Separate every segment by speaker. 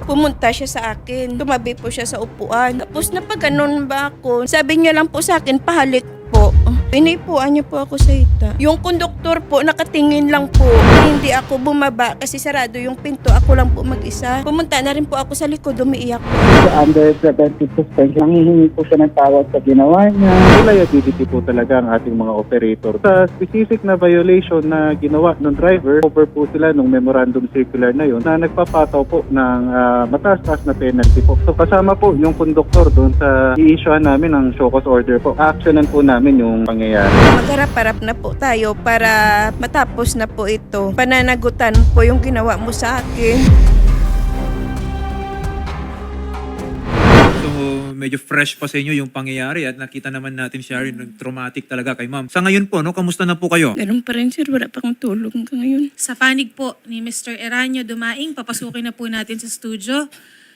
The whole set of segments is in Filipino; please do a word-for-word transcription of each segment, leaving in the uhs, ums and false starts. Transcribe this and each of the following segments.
Speaker 1: Pumunta siya sa akin. Tumabi po siya sa upuan. Tapos napaganon ba ako? Sabi niya lang po sa akin, pahalik po. Inipuan niya po ako sa hita. Yung konduktor po, nakatingin lang po. Hindi ako bumaba kasi sarado yung pinto. Ako lang po mag-isa. Pumunta na rin po ako sa likod, umiiyak po.
Speaker 2: Under preventive suspension, nangihingi po siya ng tawad sa ginawa niya. Liability po talaga ang ating mga operator. Sa specific na violation na ginawa ng driver, over po sila nung memorandum circular na yun na nagpapataw po ng uh, mataas-taas na penalty po. So kasama po yung konduktor doon sa i-issuean namin ng show cause order po. Actionan po namin yung pangyayari.
Speaker 1: Magharap-harap na po tayo para matapos na po ito. Pananagutan po yung ginawa mo sa akin.
Speaker 3: So, medyo fresh pa sa inyo yung pangyayari at nakita naman natin, Shari, mm. traumatic talaga kay ma'am. Sa ngayon po, no, kamusta na po kayo?
Speaker 1: Ganun pa rin, sir. Wala pa akong tulong ka ngayon.
Speaker 4: Sa panig po ni Mister Eranio Dumaing, papasukin na po natin sa studio.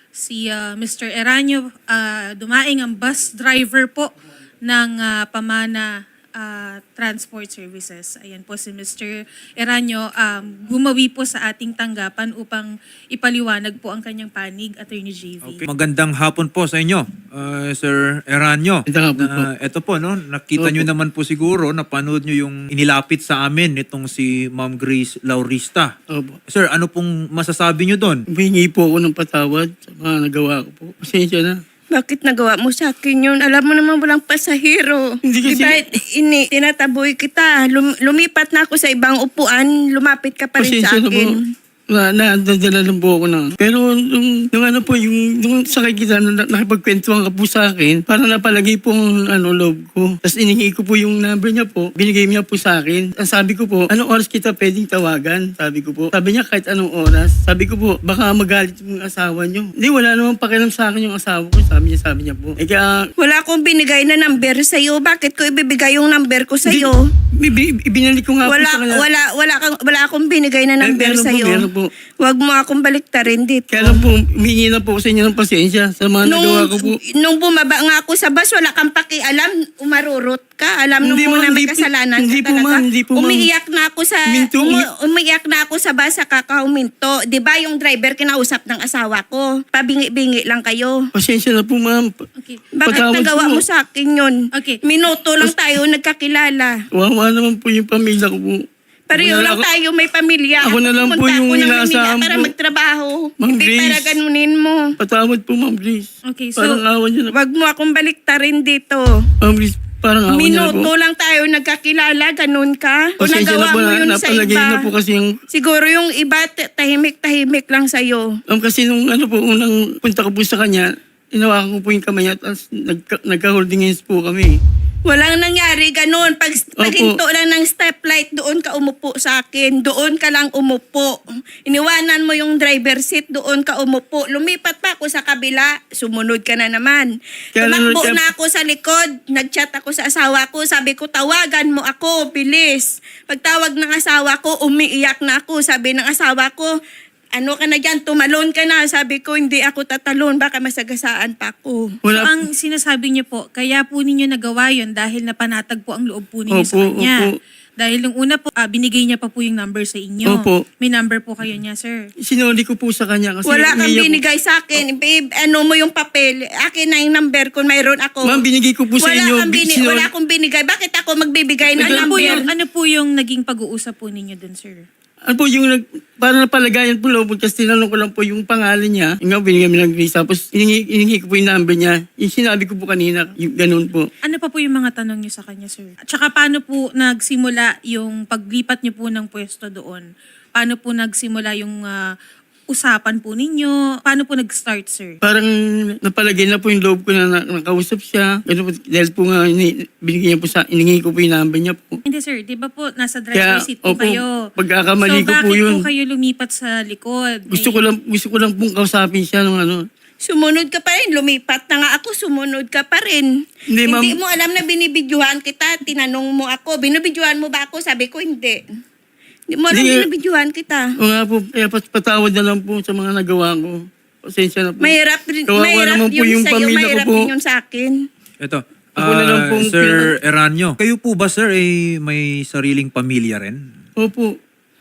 Speaker 4: Si uh, Mister Eranio uh, Dumaing, ang bus driver po ng uh, Pamana uh, Transport Services. Ayan po si Mister Eranio, um, gumawi po sa ating tanggapan upang ipaliwanag po ang kanyang panig, Attorney J V.
Speaker 3: Okay. Magandang hapon po sa inyo, uh, Sir Eranio.
Speaker 5: Magandang hapon po.
Speaker 3: Na, ito po, no, nakita
Speaker 5: Opo.
Speaker 3: nyo naman po siguro, napanood nyo yung inilapit sa amin nitong si Ma'am Grace Laurista.
Speaker 5: Opo.
Speaker 3: Sir, ano pong masasabi nyo doon?
Speaker 5: Humingi po ako ng patawad sa mga nagawa ko po. Pasensya na.
Speaker 1: Bakit nagawa mo sa akin yun? Alam mo naman walang pasahero.
Speaker 5: Hindi kasi-
Speaker 1: Diba, ini, tinataboy kita. Lum, lumipat na ako sa ibang upuan. Lumapit ka pa rin sa
Speaker 5: Pasensya na po.
Speaker 1: akin.
Speaker 5: Na, nadadala lang po ako na. Pero nung, nung ano po, yung nung sakay kita, na, nakipagkwentuhan ka po sa akin, parang napalagay po ang ano, loob ko. Tapos iningi ko po yung number niya po, binigay niya po sa akin. Ang sabi ko po, anong oras kita pwedeng tawagan? Sabi ko po. Sabi niya kahit anong oras. Sabi ko po, baka magalit yung asawa niyo. Hindi, wala namang pakialam sa akin yung asawa ko. Sabi niya, sabi niya po. Eh kaya,
Speaker 1: Wala akong binigay na number sa'yo. Bakit ko ibibigay yung number ko sa'yo?
Speaker 5: Ibi- ibinalik ko nga po
Speaker 1: Wala,
Speaker 5: sa kanya.
Speaker 1: wala, wala, kang, wala akong binigay na
Speaker 5: Eh,
Speaker 1: number
Speaker 5: meron po,
Speaker 1: sa'yo.
Speaker 5: meron po.
Speaker 1: Huwag mo akong baliktarin dito.
Speaker 5: Kaya lang po, humingi na po ako sa inyo ng pasensya sa mga nagawa ko po.
Speaker 1: nung bumaba nga ako sa bus, wala kang pakialam, umarurot ka. Alam mo
Speaker 5: Hindi,
Speaker 1: muna
Speaker 5: ma'am,
Speaker 1: may
Speaker 5: hindi po-
Speaker 1: kasalanan
Speaker 5: hindi
Speaker 1: ka
Speaker 5: po,
Speaker 1: talaga.
Speaker 5: ma'am, hindi po, ma'am.
Speaker 1: Umiiyak na ako sa
Speaker 5: Minto,
Speaker 1: umi,
Speaker 5: umi-
Speaker 1: umiiyak na ako sa bus sa kakauminto. 'Di ba yung driver kinausap ng asawa ko? Pabingi-bingi lang kayo.
Speaker 5: Pasensya na po, ma'am.
Speaker 4: Okay.
Speaker 1: Bakit
Speaker 5: Patawad
Speaker 1: nagawa
Speaker 5: po.
Speaker 1: mo sa akin yun?
Speaker 4: Okay.
Speaker 1: Minuto lang tayo nagkakilala.
Speaker 5: Wawa naman po yung pamilya ko po.
Speaker 1: Pareho
Speaker 5: Ako na-
Speaker 1: lang
Speaker 5: ako-
Speaker 1: tayo, may pamilya.
Speaker 5: Ako na lang po
Speaker 1: pumunta
Speaker 5: yung
Speaker 1: ako ng
Speaker 5: inaasahan
Speaker 1: Manila para
Speaker 5: po.
Speaker 1: magtrabaho.
Speaker 5: Ma'am
Speaker 1: Hindi
Speaker 5: Grace.
Speaker 1: para ganunin mo.
Speaker 5: Patawad po, Ma'am Grace.
Speaker 4: Okay, so
Speaker 5: Parang awa niyo na.
Speaker 1: Wag mo akong baliktarin dito.
Speaker 5: Ma'am Grace, parang awa niyo na po.
Speaker 1: Minuto lang tayo nagkakilala, ganun ka. O
Speaker 5: Pasensya
Speaker 1: nagawa
Speaker 5: na po,
Speaker 1: mo
Speaker 5: na,
Speaker 1: yun sa
Speaker 5: napalagay
Speaker 1: iba.
Speaker 5: na po kasi yung...
Speaker 1: Siguro yung iba, t- tahimik-tahimik lang sa'yo.
Speaker 5: Ma'am, kasi nung ano po, unang punta ko po sa kanya, inawakan ko po yung kamay niya at nagka, nagka-holding hands po kami.
Speaker 1: Walang nangyari ganun. Pag, pag
Speaker 5: Opo.
Speaker 1: hinto lang ng stoplight, doon ka umupo sa akin. Doon ka lang umupo. Iniwanan mo yung driver seat, doon ka umupo. Lumipat pa ako sa kabila, sumunod ka na naman.
Speaker 5: Kaya
Speaker 1: Tumakbo
Speaker 5: nanonood ka-
Speaker 1: na ako sa likod. Nag-chat ako sa asawa ko. Sabi ko, tawagan mo ako, bilis. Pagtawag ng asawa ko, umiiyak na ako. Sabi ng asawa ko, ano ka na dyan, tumalon ka na. Sabi ko, hindi ako tatalon, baka masagasaan pa ako.
Speaker 4: So,
Speaker 5: Wala
Speaker 4: ang sinasabi niyo po, kaya po ninyo nagawa yun dahil napanatag po ang loob po ninyo sa
Speaker 5: Opo,
Speaker 4: kanya.
Speaker 5: opo.
Speaker 4: Dahil nung una po, ah, binigay niya pa po yung number sa inyo.
Speaker 5: Opo.
Speaker 4: May number po kayo niya, sir.
Speaker 5: Sinuli ko po sa kanya kasi...
Speaker 1: Wala kang
Speaker 5: umiiyak po.
Speaker 1: binigay sa akin. Babe, ano mo yung papel? Akin na yung number kung mayroon ako.
Speaker 5: Ma'am, binigay ko po sa
Speaker 1: wala
Speaker 5: inyo.
Speaker 1: Kang bini-
Speaker 5: Sinuli-
Speaker 1: wala akong binigay. Bakit ako magbibigay ng
Speaker 4: Ano po,
Speaker 1: number?
Speaker 4: yung, ano po yung naging pag-uusap po ninyo dun, sir?
Speaker 5: Ano po yung nag, parang napalagayan po loob kasi tinanong ko lang po yung pangalan niya. Yung nga, binigyan mo ng Grace. Tapos iningi, iningi ko po yung number niya. Yung sinabi ko po kanina, yung ganun po.
Speaker 4: Ano pa po yung mga tanong niyo sa kanya, sir? At saka paano po nagsimula yung paglipat niyo po ng pwesto doon? Paano po nagsimula yung ah, usapan po ninyo? Paano po nag-start, sir?
Speaker 5: Parang napalagay na po yung loob ko na, na nakausap siya. Ganun po, dahil po nga, ini, binigyan po sa, iningi ko po yung number niya po.
Speaker 4: Hindi, sir. Di ba po, nasa driver
Speaker 5: Kaya,
Speaker 4: seat po
Speaker 5: opo,
Speaker 4: kayo?
Speaker 5: pagkakamali
Speaker 4: so,
Speaker 5: ko po
Speaker 4: bakit
Speaker 5: yun.
Speaker 4: po kayo lumipat sa likod?
Speaker 5: Gusto
Speaker 4: May-
Speaker 5: ko lang, gusto ko lang pong kausapin siya nung ano.
Speaker 1: Sumunod ka pa rin. Lumipat na nga ako. Sumunod ka pa rin.
Speaker 5: Hindi, ma'am.
Speaker 1: Hindi mo alam na binibidyohan kita. Tinanong mo ako. Binibidyohan mo ba ako? Sabi ko, hindi. Hindi mo alam
Speaker 5: Hindi.
Speaker 1: binibidyohan kita.
Speaker 5: O nga po, kaya pat- patawad na lang po sa mga nagawa ko. Pasensya na po.
Speaker 1: Mahirap rin,
Speaker 5: Kawawa
Speaker 1: mahirap
Speaker 5: naman po
Speaker 1: yung,
Speaker 5: yung
Speaker 1: sa'yo.
Speaker 5: pamilya ko
Speaker 1: Mahirap
Speaker 5: po.
Speaker 1: din yung sa akin.
Speaker 3: Ito,
Speaker 5: Ako na lang
Speaker 3: ah,
Speaker 5: pong
Speaker 3: Sir
Speaker 5: pina-
Speaker 3: Eranio, kayo po ba, sir, ay may sariling pamilya rin?
Speaker 5: Opo.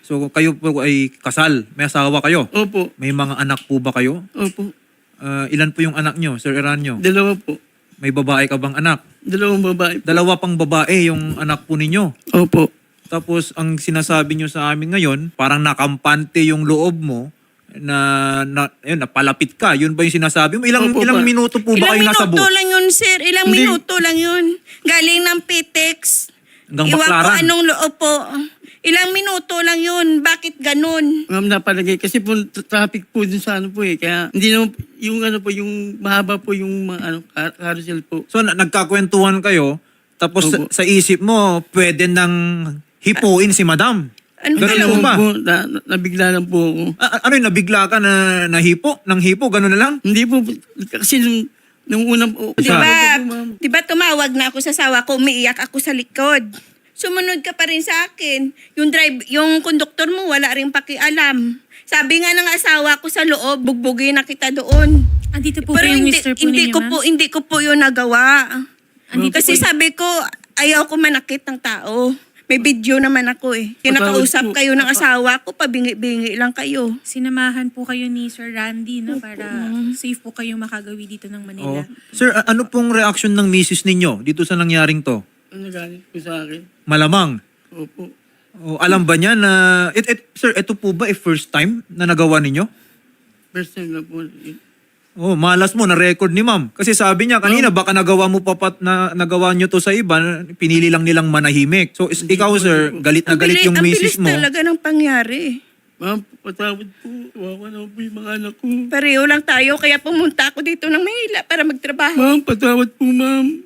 Speaker 3: So kayo po ay kasal, may asawa kayo.
Speaker 5: Opo.
Speaker 3: May mga anak po ba kayo?
Speaker 5: Opo.
Speaker 3: Ah, ilan po yung anak nyo, Sir Eranio?
Speaker 5: Dalawa po.
Speaker 3: May babae ka bang anak?
Speaker 5: Dalawang babae po.
Speaker 3: Dalawa pang babae yung anak po ninyo.
Speaker 5: Opo.
Speaker 3: Tapos ang sinasabi nyo sa amin ngayon, parang nakampante yung loob mo na, na ayun, napalapit ka. Yun ba yung sinasabi mo? Ilang,
Speaker 5: Opo,
Speaker 3: ilang
Speaker 5: pa.
Speaker 3: minuto po ba
Speaker 1: Ilang
Speaker 3: kayo nasa
Speaker 1: minuto
Speaker 3: bus?
Speaker 1: lang yun, sir. Ilang
Speaker 5: Hindi.
Speaker 1: minuto lang yun. Galing ng P T E X.
Speaker 3: Hanggang
Speaker 1: Iwan ko
Speaker 3: Baclaran.
Speaker 1: anong loob po. Ilang minuto lang yun. Bakit ganun?
Speaker 5: Ma'am, napalagay. Kasi po, tra- traffic po dun sa ano po eh. Kaya hindi naman, yung ano po, yung mahaba po yung mga ano, car- carousel po.
Speaker 3: So na, nagkakwentuhan kayo, tapos sa,
Speaker 5: Opo.
Speaker 3: sa isip mo, pwede nang hipuin si madam.
Speaker 1: Ano
Speaker 3: Ganun
Speaker 1: ba
Speaker 3: po
Speaker 1: lang?
Speaker 3: ba?
Speaker 5: Po, na, na- nabigla lang po ako.
Speaker 3: A- ano yun, nabigla ka na nahipo? Nang hipo? Ganun na lang?
Speaker 5: Hindi po, kasi nung, nung unang po.
Speaker 1: Di
Speaker 3: Sa-
Speaker 1: ba?
Speaker 5: Sabi ko po, ma'am,
Speaker 1: Di ba tumawag na ako sa sawa ko, umiiyak ako sa likod. Sumunod ka pa rin sa akin. Yung drive, yung konduktor mo wala rin pakialam. Sabi nga ng asawa ko sa loob, bugbugin na kita doon.
Speaker 4: Andito po ba
Speaker 1: Pero
Speaker 4: yung
Speaker 1: hindi,
Speaker 4: mister po
Speaker 1: hindi
Speaker 4: ninyo,
Speaker 1: ko
Speaker 4: ma'am?
Speaker 1: po hindi ko po 'yun nagawa.
Speaker 4: Andito
Speaker 1: Kasi
Speaker 4: po y-
Speaker 1: sabi ko ayaw ko manakit ng tao. May video naman ako eh. Kinakausap
Speaker 5: Patawad po.
Speaker 1: kayo ng asawa ko, pabingi-bingi lang kayo.
Speaker 4: Sinamahan po kayo ni Sir Randy no para safe po kayo makagawi dito ng Manila.
Speaker 3: Oo. Sir, a- ano pong reaction ng misis ninyo dito sa nangyaring to?
Speaker 5: ano galit po sa akin.
Speaker 3: Malamang.
Speaker 5: Opo.
Speaker 3: O, alam ba niya na... It, it, sir, ito po ba eh, first time na nagawa ninyo?
Speaker 5: First time na po.
Speaker 3: Oh, malas mo na record ni ma'am. Kasi sabi niya kanina baka nagawa mo pa pat na nagawa niyo to sa iba, pinili lang nilang manahimik. So is, ikaw sir, galit na
Speaker 1: Ang
Speaker 3: galit
Speaker 1: bili-
Speaker 3: yung
Speaker 1: ang
Speaker 3: misis
Speaker 1: bilis
Speaker 3: mo.
Speaker 1: talaga ng pangyari.
Speaker 5: Ma'am, patawad po. Wawa na po yung mga anak ko.
Speaker 1: Pareho lang tayo, kaya pumunta ako dito ng Manila para magtrabaho.
Speaker 5: Ma'am, patawad po, ma'am.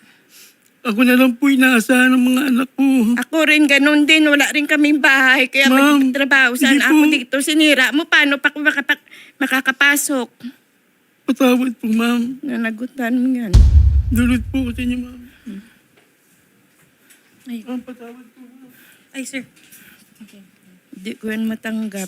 Speaker 5: Ako na lang po inaasahan ng mga anak ko.
Speaker 1: Ako rin ganun din, wala rin kaming bahay, kaya
Speaker 5: Ma'am,
Speaker 1: magtrabaho. Saan
Speaker 5: hindi
Speaker 1: ako
Speaker 5: po.
Speaker 1: dito? Sinira mo, paano pa ako makapak- makakapasok?
Speaker 5: Patawad po, ma'am.
Speaker 1: Nanagutan mo yan.
Speaker 5: Dulot po ko sa inyo, ma'am.
Speaker 4: Ay,
Speaker 5: Ma'am, patawad po, ma'am.
Speaker 4: ay sir. Okay.
Speaker 1: Hindi ko yan matanggap.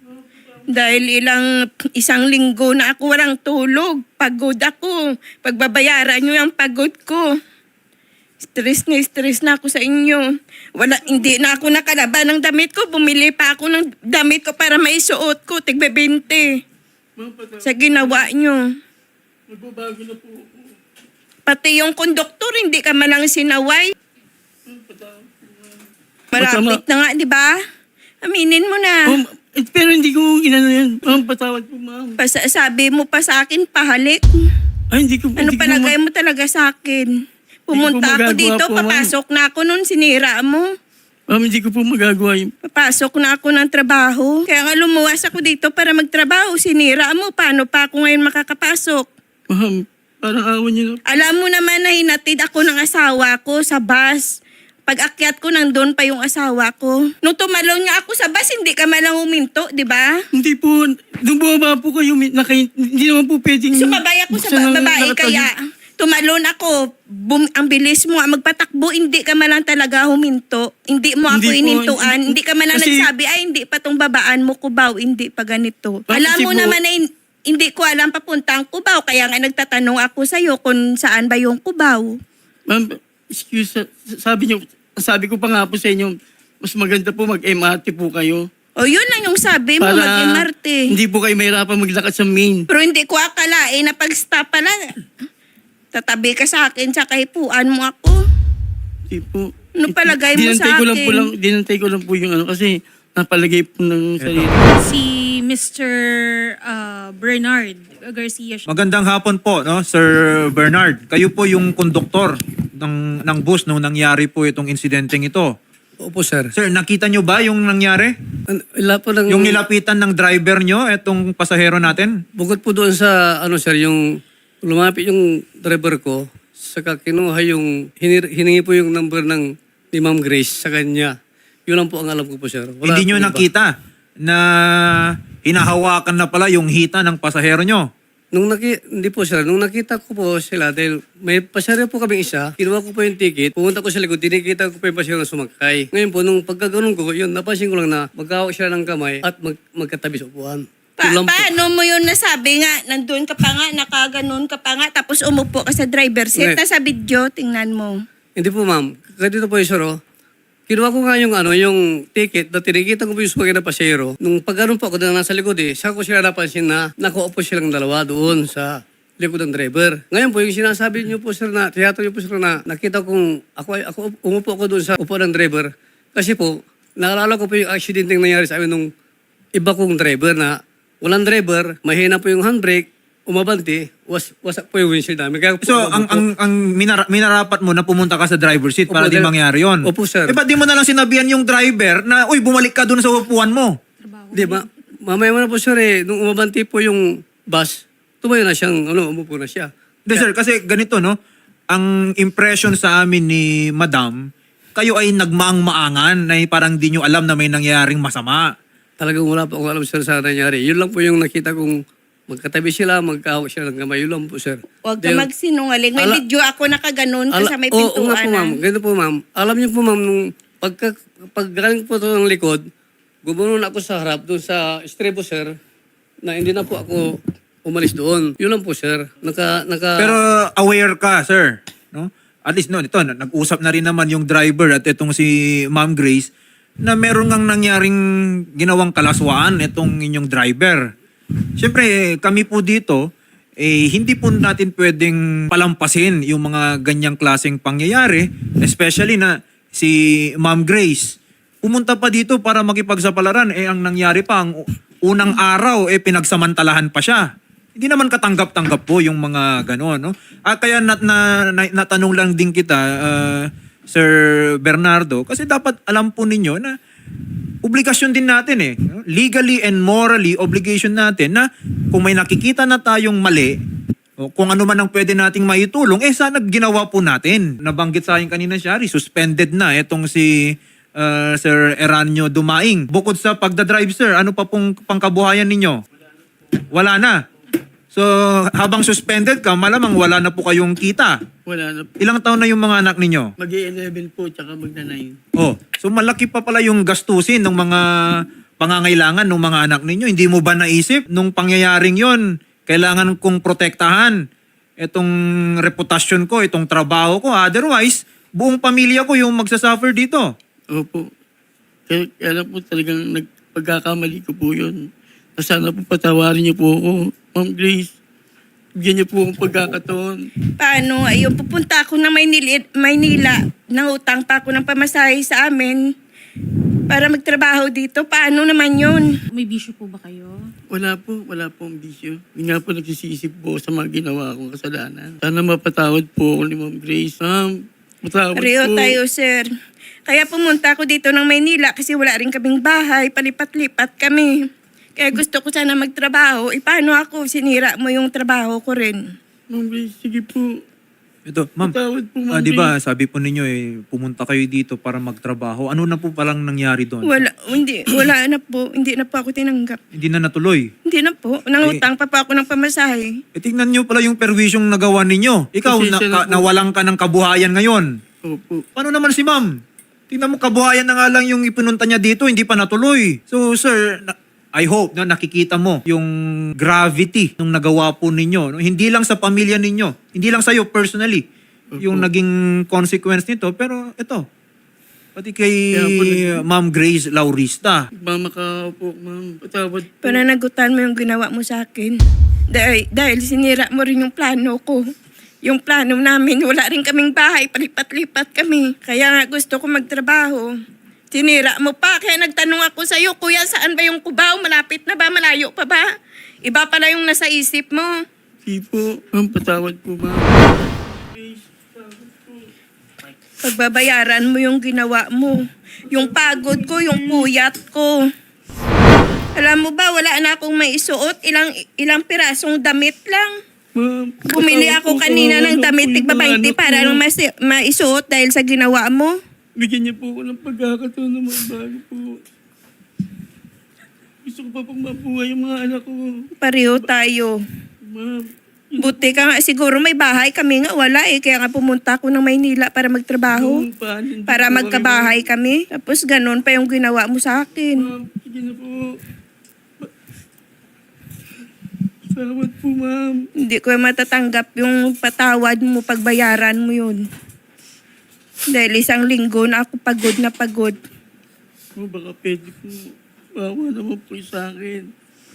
Speaker 1: Dahil ilang, isang linggo na ako walang tulog. Pagod ako. Pagbabayaran nyo yung pagod ko. Stress na stress na ako sa inyo. Wala, hindi na ako nakalaban ng damit ko. Bumili pa ako ng damit ko para maisuot ko. Tigbe bente.
Speaker 5: Ma'am, patawad.
Speaker 1: Sa ginawa nyo.
Speaker 5: Magbabago na po ako.
Speaker 1: Pati yung konduktor, hindi ka malang sinaway.
Speaker 5: Ma'am, patawad po, ma'am.
Speaker 1: Malapit na nga, di ba? Aminin mo na.
Speaker 5: Ma'am, eh, pero hindi ko inano yan. Ma'am, patawad po, ma'am.
Speaker 1: Pas- sabi mo pa sa akin, pahalik.
Speaker 5: Ay, hindi ko
Speaker 1: Ano
Speaker 5: hindi ko
Speaker 1: palagay
Speaker 5: ma-
Speaker 1: mo talaga sa akin? Pumunta
Speaker 5: Hindi ko
Speaker 1: ako
Speaker 5: magagawa
Speaker 1: dito,
Speaker 5: po, ma'am.
Speaker 1: papasok na ako nun, sinira mo.
Speaker 5: Ma'am, hindi ko po magagawa yun.
Speaker 1: Papasok na ako ng trabaho. Kaya nga lumuwas ako dito para magtrabaho, sinira mo. Paano pa ako ngayon makakapasok?
Speaker 5: Ma'am, parang awan niyo na.
Speaker 1: Alam mo naman na hinatid ako ng asawa ko sa bus. Pag akyat ko, nandun pa yung asawa ko. Nung tumalon nga ako sa bus, hindi ka malang huminto, di ba?
Speaker 5: Hindi po, nung bumaba po kayo, may- naka, hindi naman po pwedeng...
Speaker 1: Sumabay ako sa
Speaker 5: buksan
Speaker 1: ba-
Speaker 5: ng
Speaker 1: babae
Speaker 5: nakatag-
Speaker 1: kaya tumalon ako. Bum, ang bilis mo, ah, magpatakbo, hindi ka man lang talaga huminto. Hindi mo ako
Speaker 5: Hindi po,
Speaker 1: inintuan.
Speaker 5: hindi-
Speaker 1: Hindi ka man lang
Speaker 5: kasi-
Speaker 1: nagsabi, ay hindi pa tong babaan mo, Cubao, hindi pa ganito.
Speaker 5: Ah,
Speaker 1: Alam
Speaker 5: kasi
Speaker 1: mo
Speaker 5: po-
Speaker 1: naman na hin- hindi ko alam papunta ang Cubao, kaya nga nagtatanong ako sa'yo kung saan ba yung Cubao.
Speaker 5: Ma'am, excuse, sa- sabi niyo, sabi ko pa nga po sa inyo, mas maganda po mag-M R T po kayo.
Speaker 1: O yun lang yung sabi mo,
Speaker 5: Para
Speaker 1: mag-M R T.
Speaker 5: hindi po kayo mahirapan maglakad sa main.
Speaker 1: Pero hindi ko akalain na pag-stop pala, tatabi ka sa akin, sa hipuan mo ako.
Speaker 5: Hindi po.
Speaker 1: Ano palagay mo
Speaker 5: Dinantay
Speaker 1: sa
Speaker 5: ko lang po
Speaker 1: akin?
Speaker 5: lang, dinantay ko lang po yung ano, kasi napalagay po ng sarili.
Speaker 4: Si mister uh, Bernard Garcia.
Speaker 3: Magandang hapon po, no, Sir Bernard. Kayo po yung konduktor ng ng bus nung nangyari po itong insidenteng ito.
Speaker 6: Opo, sir.
Speaker 3: Sir, nakita nyo ba yung nangyari?
Speaker 6: An- Ila po ng,
Speaker 3: Yung nilapitan ng driver nyo, itong pasahero natin?
Speaker 6: bukod po doon sa, ano sir, yung lumapit yung driver ko, saka kinuha yung, hinir, hiningi po yung number ng ni Ma'am Grace sa kanya. Yun lang po ang alam ko po, sir. Wala
Speaker 3: Hindi nyo
Speaker 6: po iba.
Speaker 3: nakita na hinahawakan na pala yung hita ng pasahero nyo.
Speaker 6: Nung naki, hindi po sir, nung nakita ko po sila, dahil may pasahero po kami isa, kinuha ko po yung ticket, pumunta ko sa likod, tinikita ko po yung pasahero na sumakay. Ngayon po, nung pagkaganon ko, yun, napansin ko lang na magkawak sila ng kamay at mag, magkatabi sa upuan.
Speaker 1: Pa-
Speaker 6: Yun lang po.
Speaker 1: paano mo yun nasabi nga? Nandun ka pa nga, nakaganon ka pa nga, tapos umupo ka sa driver seat.
Speaker 6: Hindi.
Speaker 1: Nasa video, tingnan mo.
Speaker 6: Hindi po ma'am, kasi dito po yung sir, oh. Kinuha ko nga yung ano, yung ticket na tinikita ko po yung sumakay na pasero. Nung pag po ako na nasa likod eh, saka ko sila napansin na nakaupo silang dalawa doon sa likod ng driver. Ngayon po, yung sinasabi niyo po sir na, teatro niyo po sir na nakita kong ako, ay- ako umupo ako doon sa upo ng driver. Kasi po, naalala ko po yung accident yung nangyari sa amin nung iba kong driver na walang driver, mahina po yung handbrake, umabante, was, wasak po yung windshield namin. Kaya po,
Speaker 3: So,
Speaker 6: ako
Speaker 3: ang
Speaker 6: po-
Speaker 3: ang ang minara- minarapat mo na pumunta ka sa driver seat para
Speaker 6: Opo,
Speaker 3: di
Speaker 6: dahil-
Speaker 3: mangyari yon.
Speaker 6: Opo, sir.
Speaker 3: Eh, ba't di mo na lang sinabihan yung driver na, uy, bumalik ka doon sa upuan mo?
Speaker 6: Di ba? Mamaya mo na po sir eh, nung umabanti po yung bus, tumayo na siyang, ano, umupo na siya.
Speaker 3: Hindi, sir, kasi ganito, no? Ang impression sa amin ni Madam, kayo ay nagmaang-maangan na parang di nyo alam na may nangyaring masama.
Speaker 6: Talagang wala po akong alam sir sa nangyari. Yun lang po yung nakita kong magkatabi sila, magkahawak sila ng kamay. Yun lang po sir.
Speaker 1: Huwag ka
Speaker 6: Dahil-
Speaker 1: magsinungaling. May
Speaker 6: Ala-
Speaker 1: video ako nakaganon
Speaker 6: Ala-
Speaker 1: sa may
Speaker 6: Oo, oo nga po ma'am.
Speaker 1: pintuan.
Speaker 6: Ganito po ma'am. Alam niyo po ma'am, nung pagka, paggaling po ito ng likod, gumunon ako sa harap doon sa estrebo sir, na hindi na po ako umalis doon. Yun lang po sir. Naka, naka,
Speaker 3: Pero aware ka, sir. No? At least, no, ito, nag-usap na rin naman yung driver at itong si Ma'am Grace na meron ngang nangyaring ginawang kalaswaan itong inyong driver. Siyempre, kami po dito, eh, hindi po natin pwedeng palampasin yung mga ganyang klaseng pangyayari, especially na si Ma'am Grace. Pumunta pa dito para makipagsapalaran, eh ang nangyari pa, ang u- unang araw, eh pinagsamantalahan pa siya. Hindi naman katanggap-tanggap po yung mga gano'n, no? Ah, kaya nat, na, na, natanong lang din kita, ah, Sir Bernardo, kasi dapat alam po ninyo na obligasyon din natin eh. no? Legally and morally, obligation natin na kung may nakikita na tayong mali, o kung ano man ang pwede nating maitulong, eh sana ginawa po natin. Nabanggit sa akin kanina siya, suspended na itong si uh, Sir Eranio Dumaing. Bukod sa pagdadrive, sir, ano pa pong pangkabuhayan ninyo? Wala na. So, habang suspended ka, malamang wala na po kayong kita.
Speaker 5: Wala na po.
Speaker 3: Ilang taon na yung mga anak ninyo?
Speaker 5: Mag-eleven po, tsaka magna-nine.
Speaker 3: Oh, so malaki pa pala yung gastusin ng mga pangangailangan ng mga anak ninyo. Hindi mo ba naisip nung pangyayaring yon, kailangan kong protektahan itong reputasyon ko, itong trabaho ko. Otherwise, buong pamilya ko yung magsasuffer dito.
Speaker 5: Opo. Kaya, kaya lang po talagang nagpagkakamali ko po yun. Sana po patawarin niyo po ako, Ma'am Grace. Bigyan niyo po akong pagkakataon.
Speaker 1: Paano? Ayun, pupunta ako ng Maynila, Maynila. Nangutang pa ako ng pamasahe sa amin para magtrabaho dito. Paano naman yun?
Speaker 4: May bisyo po ba kayo?
Speaker 5: Wala po, wala po ang bisyo. Hindi nga po nagsisisip po sa mga ginawa kong kasalanan. Sana mapatawad po ako ni Ma'am Grace. Ma'am, matawad
Speaker 1: Rio
Speaker 5: po.
Speaker 1: tayo, sir. Kaya pumunta ako dito ng Maynila kasi wala rin kaming bahay. Palipat-lipat kami. Kaya gusto ko sana magtrabaho. E paano ako? Sinira mo yung trabaho ko rin.
Speaker 5: Ma'am Grace, sige po.
Speaker 3: Ito, ma'am.
Speaker 5: Matawad po,
Speaker 3: Ah,
Speaker 5: Ma'am
Speaker 3: di ba,
Speaker 5: Grace.
Speaker 3: sabi po ninyo eh, pumunta kayo dito para magtrabaho. Ano na po palang nangyari doon?
Speaker 1: Wala, hindi, wala na po. Hindi na po ako tinanggap.
Speaker 3: Hindi na natuloy.
Speaker 1: Hindi na po. Nangutang pa pa ako ng pamasahe.
Speaker 3: E tingnan nyo pala yung perwisyong nagawa ninyo. Ikaw, na,
Speaker 5: Pasensya na
Speaker 3: ka,
Speaker 5: po.
Speaker 3: nawalan ka ng kabuhayan ngayon.
Speaker 5: Opo.
Speaker 3: Paano naman si ma'am? Tingnan mo, kabuhayan na nga lang yung ipinunta niya dito, hindi pa natuloy. So, sir, na- I hope na nakikita mo yung gravity ng nagawa po ninyo. No? Hindi lang sa pamilya ninyo, hindi lang sa'yo personally, yung naging consequence nito. Pero ito, pati kay
Speaker 5: Kaya po nag-
Speaker 3: Ma'am Grace Laurista.
Speaker 5: Mama ka po, ma'am. Patawad po.
Speaker 1: Pananagutan mo yung ginawa mo sa akin. Dahil, dahil sinira mo rin yung plano ko. Yung plano namin, wala rin kaming bahay, palipat-lipat kami. Kaya nga gusto ko magtrabaho. Sinira mo pa, kaya nagtanong ako sa'yo, Kuya, saan ba yung Cubao? Malapit na ba? Malayo pa ba? Iba pala yung nasa isip mo.
Speaker 5: Sige po. Ma'am, patawad po, ma'am. Grace, patawad po.
Speaker 1: Pagbabayaran mo yung ginawa mo. Yung pagod ko, yung puyat ko. Alam mo ba, wala na akong maisuot. Ilang, ilang pirasong damit lang.
Speaker 5: Ma'am,
Speaker 1: Bumili
Speaker 5: patawad
Speaker 1: ako
Speaker 5: po,
Speaker 1: kanina
Speaker 5: kawawa
Speaker 1: ng
Speaker 5: na
Speaker 1: damit
Speaker 5: po yung
Speaker 1: tigba
Speaker 5: mga
Speaker 1: twenty
Speaker 5: anak
Speaker 1: para
Speaker 5: ko.
Speaker 1: lang masi- maisuot dahil sa ginawa mo.
Speaker 5: Bigyan niyo po ako ng pagkakataon na magbago po. Gusto ko pa pang mabuhay yung mga anak ko.
Speaker 1: Pareho tayo.
Speaker 5: Ma'am,
Speaker 1: Buti ka nga, siguro may bahay. Kami nga wala eh. Kaya nga pumunta ako ng Maynila para magtrabaho.
Speaker 5: yung paan, hindi
Speaker 1: Para
Speaker 5: po
Speaker 1: magkabahay kami. Tapos ganun pa yung ginawa mo sa
Speaker 5: kami-
Speaker 1: akin.
Speaker 5: Ma'am, sige na po. Salamat po, ma'am.
Speaker 1: Hindi ko matatanggap yung patawad mo, pagbayaran mo yun. Dahil isang linggo na ako pagod na pagod.
Speaker 5: O baka pwede po, bawa naman po sa akin.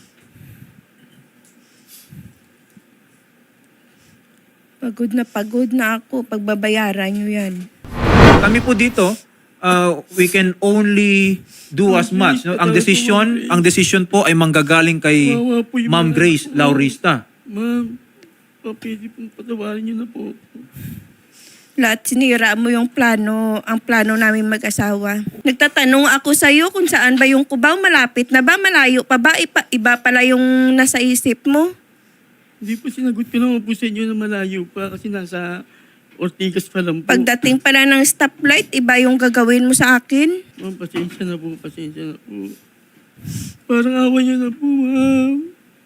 Speaker 1: Pagod na pagod na ako. Pagbabayaran nyo yan.
Speaker 3: Kami po dito, uh, we can only do as much. No? Ang decision, ang decision po ay manggagaling kay
Speaker 5: Wawa po yung
Speaker 3: Ma'am
Speaker 5: mga-
Speaker 3: Grace Laurista.
Speaker 5: Ma'am, baka pwede pong patawarin niyo na po.
Speaker 1: Lahat sinira mo yung plano, ang plano namin mag-asawa. Nagtatanong ako sa iyo kung saan ba yung Cubao, malapit na ba, malayo pa ba, iba, iba pala yung nasa isip mo.
Speaker 5: Hindi po sinagot ko naman po sa inyo na malayo pa kasi nasa Ortigas pa lang po.
Speaker 1: Pagdating pala ng stoplight, iba yung gagawin mo sa akin.
Speaker 5: Ma'am, pasensya na po, pasensya na po. Parang awa niyo na po, ma'am.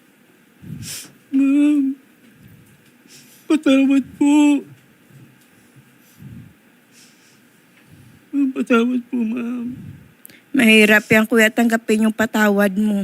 Speaker 5: Ma'am, patawad po. Ma'am, patawad po, ma'am.
Speaker 1: Mahirap yan kuya tanggapin yung patawad mo.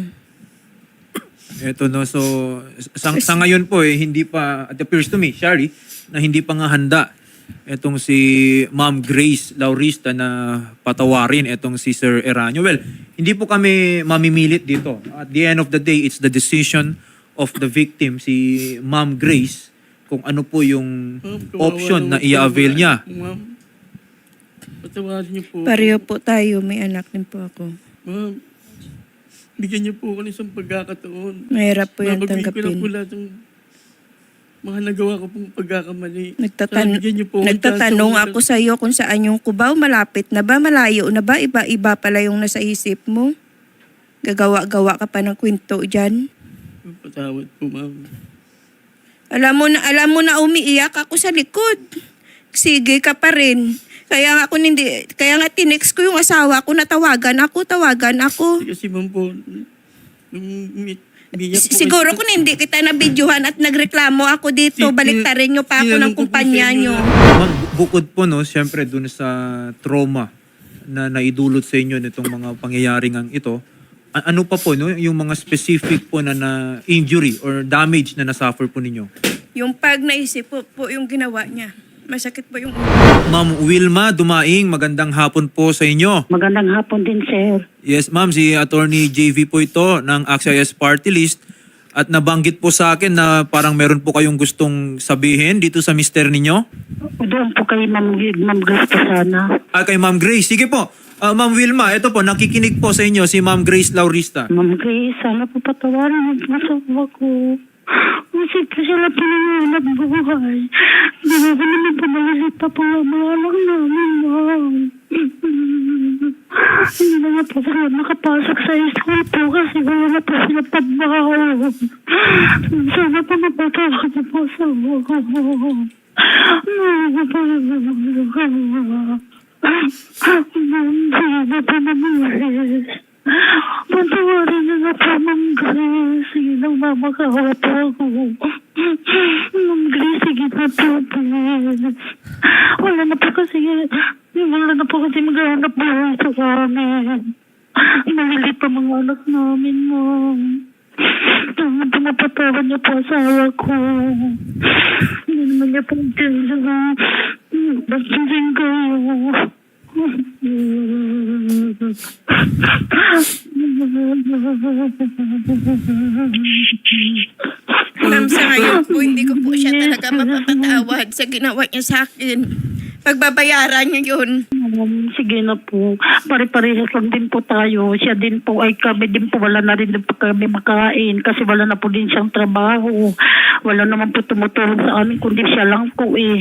Speaker 3: Eto no, so sa, sa ngayon po eh, hindi pa, it appears to me, Shari, na hindi pa nga handa etong si Ma'am Grace Laurista na patawarin etong si Sir Eranio. Well, hindi po kami mamimilit dito. At the end of the day, it's the decision of the victim, si Ma'am Grace, kung ano po yung
Speaker 5: Ma'am, kawawa
Speaker 3: option na
Speaker 5: naman po,
Speaker 3: i-avail
Speaker 5: ma'am.
Speaker 3: niya.
Speaker 5: Ma'am, patawarin niyo po.
Speaker 1: Pareho po tayo, may anak din po ako.
Speaker 5: Ma'am, bigyan niyo po ako ng isang pagkakataon.
Speaker 1: Mahirap po yan
Speaker 5: Mabagay ko na po
Speaker 1: tanggapin.
Speaker 5: lahat ng mga nagawa ko pong pagkakamali.
Speaker 1: Nagtatan
Speaker 5: Sana bigyan niyo po ako ng
Speaker 1: nagtatanong
Speaker 5: chance
Speaker 1: ako sa iyo kung saan yung Cubao, malapit na ba, malayo na ba, iba-iba pala yung nasa isip mo. Gagawa-gawa ka pa ng kwento dyan.
Speaker 5: Patawad po, ma'am.
Speaker 1: Alam mo na, alam mo na umiiyak ako sa likod. Sige ka pa rin. Kaya nga ako hindi, kaya nga tinext ko yung asawa ko na tawagan ako, tawagan ako.
Speaker 5: Kasi ma'am po, nung umi- umiyak po
Speaker 1: Siguro
Speaker 5: kasi-
Speaker 1: kung hindi kita nabidyohan at nagreklamo ako dito,
Speaker 5: Tin-
Speaker 1: baliktarin nyo pa ako ng
Speaker 5: tinanong ko po
Speaker 1: kumpanya
Speaker 5: sa inyo
Speaker 1: nyo.
Speaker 5: na-
Speaker 3: Ma'am, bu- bukod po no, siyempre dun sa trauma na naidulot sa inyo nitong mga pangyayaring ang ito, a- ano pa po no, yung mga specific po na, na injury or damage na nasuffer po ninyo?
Speaker 1: Yung pag naisip po, po yung ginawa niya. Masakit po yung...
Speaker 3: Ma'am Wilma Dumaing, magandang hapon po sa inyo.
Speaker 7: Magandang hapon din, sir.
Speaker 3: Yes, ma'am, si Attorney J V po ito ng A X I S Party List at nabanggit po sa akin na parang meron po kayong gustong sabihin dito sa mister ninyo.
Speaker 7: Doon po kay Ma'am, Ma'am Grace po sana.
Speaker 3: Ah, kay Ma'am Grace. Sige po. Ah, Ma'am Wilma, ito po, nakikinig po sa inyo si Ma'am Grace Laurista.
Speaker 7: Ma'am Grace, sana po patawarin ang masawa ko. Kasi po sila pinangalan buhay. Hindi ko naman po malalit pa po ang mga anak namin, ma'am. Hindi na nga po sila nakapasok sa school po kasi wala na po sila pagbahaw. Sana po mapatawag niyo po sa mga ko. Ma'am, sana po naman. Patawarin niyo na po, Ma'am Grace. Sige lang, mamakawa po ako. Ma'am Grace, sige na po, please. Wala na po kasi, wala na po kasi maghanap buhay sa amin. Malilit pa mga anak namin, Ma'am. Sana po napatawad niyo po asawa ko. Hindi naman niya po intensya na bastisin kayo.
Speaker 1: Ma'am, sa ngayon po, hindi ko po siya talaga mapapatawad sa ginawa niya sa akin. Pagbabayaran niyo yun.
Speaker 7: Um, sige na po. Pare-parehas lang din po tayo. Siya din po ay kami din po. Wala na rin din po kami makain kasi wala na po din siyang trabaho. Wala naman po tumutulong sa amin kundi siya lang po eh.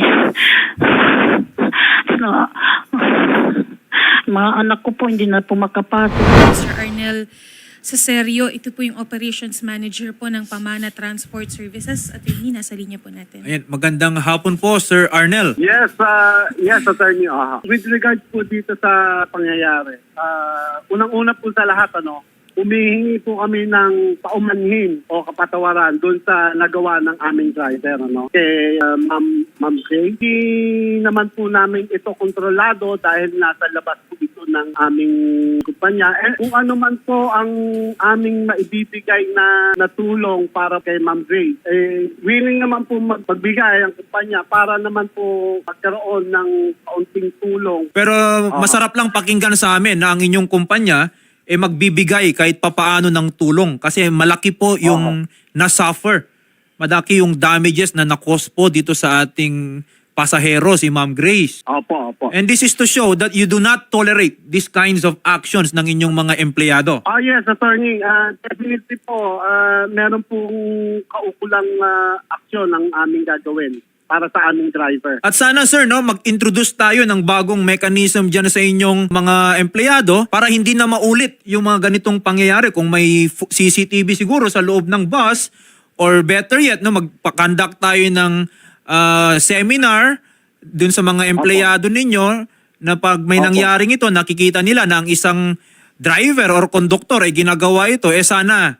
Speaker 7: Na, mga anak ko po hindi na po makapasok.
Speaker 4: Mister Arnel Cesario, ito po yung Operations Manager po ng Pamana Transport Services. At yun, nasa linya po natin.
Speaker 3: Ayan, magandang hapon po, Sir Arnel.
Speaker 8: Yes, uh, yes, Attorney. Uh, with regards po dito sa pangyayari, uh, unang-una po sa lahat, ano, humihingi po kami ng paumanhin o kapatawaran doon sa nagawa ng aming driver, ano, kay uh, Ma'am Ma'am Grace. Hindi naman po namin ito kontrolado dahil nasa labas po ito ng aming kumpanya. Eh, kung ano man po ang aming maibibigay na, na tulong para kay Ma'am Grace, eh, willing naman po mag- magbigay ang kumpanya para naman po magkaroon ng kaunting tulong.
Speaker 3: Pero masarap lang pakinggan sa amin na ang inyong kumpanya eh magbibigay kahit papaano ng tulong kasi malaki po yung na-suffer. Malaki yung damages na na-cause po dito sa ating pasahero, si Ma'am Grace.
Speaker 8: Opo, opo.
Speaker 3: And this is to show that you do not tolerate these kinds of actions ng inyong mga empleyado.
Speaker 8: Ah yes, attorney. Uh, definitely po, uh, meron pong kaukulang uh, aksyon ang aming gagawin para sa aming driver.
Speaker 3: At sana sir, no, mag-introduce tayo ng bagong mechanism dyan sa inyong mga empleyado para hindi na maulit yung mga ganitong pangyayari. Kung may f- C C T V siguro sa loob ng bus or better yet, no, magpa-conduct tayo ng uh, seminar dun sa mga empleyado ninyo na pag may
Speaker 8: Opo.
Speaker 3: nangyaring ito, nakikita nila na ang isang driver or conductor ay ginagawa ito, eh sana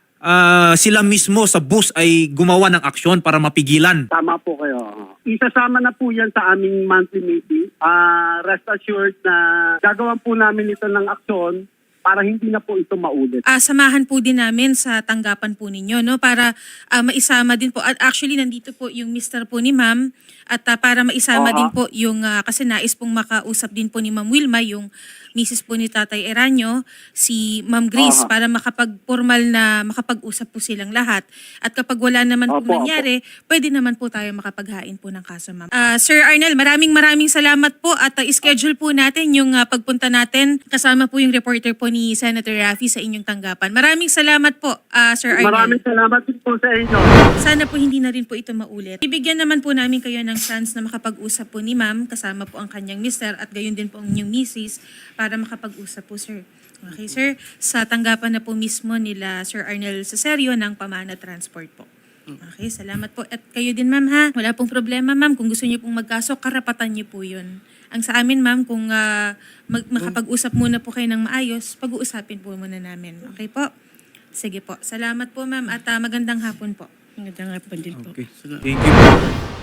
Speaker 3: ah, sila mismo sa bus ay gumawa ng aksyon para mapigilan.
Speaker 8: Tama po kayo. Isasama na po yan sa aming monthly meeting. Ah, rest assured na gagawan po namin ito ng aksyon para hindi na po ito maulit.
Speaker 4: Ah, samahan po din namin sa tanggapan po ninyo, no, para ah, maisama din po. At actually nandito po yung mister po ni Ma'am at ah, para maisama
Speaker 8: Oo.
Speaker 4: din po yung ah, kasi nais pong makausap din po ni Ma'am Wilma yung misis po ni Tatay Eranio, si Ma'am Grace,
Speaker 8: Aha.
Speaker 4: para makapag-formal na makapag-usap po silang lahat. At kapag wala naman po
Speaker 8: Opo,
Speaker 4: nangyari, pwede naman po tayo makapaghain po ng kaso, Ma'am. Ah, Sir Arnel, maraming maraming salamat po at ah, schedule po natin yung ah, pagpunta natin kasama po yung reporter po ni Senator Raffy sa inyong tanggapan. Maraming salamat po, ah, Sir Arnel.
Speaker 8: Maraming salamat din po sa inyo.
Speaker 4: Sana po hindi na rin po ito maulit. Ibigyan naman po namin kayo ng chance na makapag-usap po ni Ma'am kasama po ang kanyang mister at gayon din po ang inyong misis para makapag-usap po, sir. Okay, sir. Sa tanggapan na po mismo nila Sir Arnel Cesario ng Pamana Transport po. Okay, salamat po. At kayo din, ma'am, ha? Wala pong problema, ma'am. Kung gusto niyo pong magkaso, karapatan niyo po yun. Ang sa amin, ma'am, kung ah, mag- makapag-usap muna po kayo ng maayos, pag-uusapin po muna namin. Okay po? Sige po. Salamat po, ma'am. At ah, magandang hapon po.
Speaker 5: Magandang hapon din po.
Speaker 3: Okay. Thank you.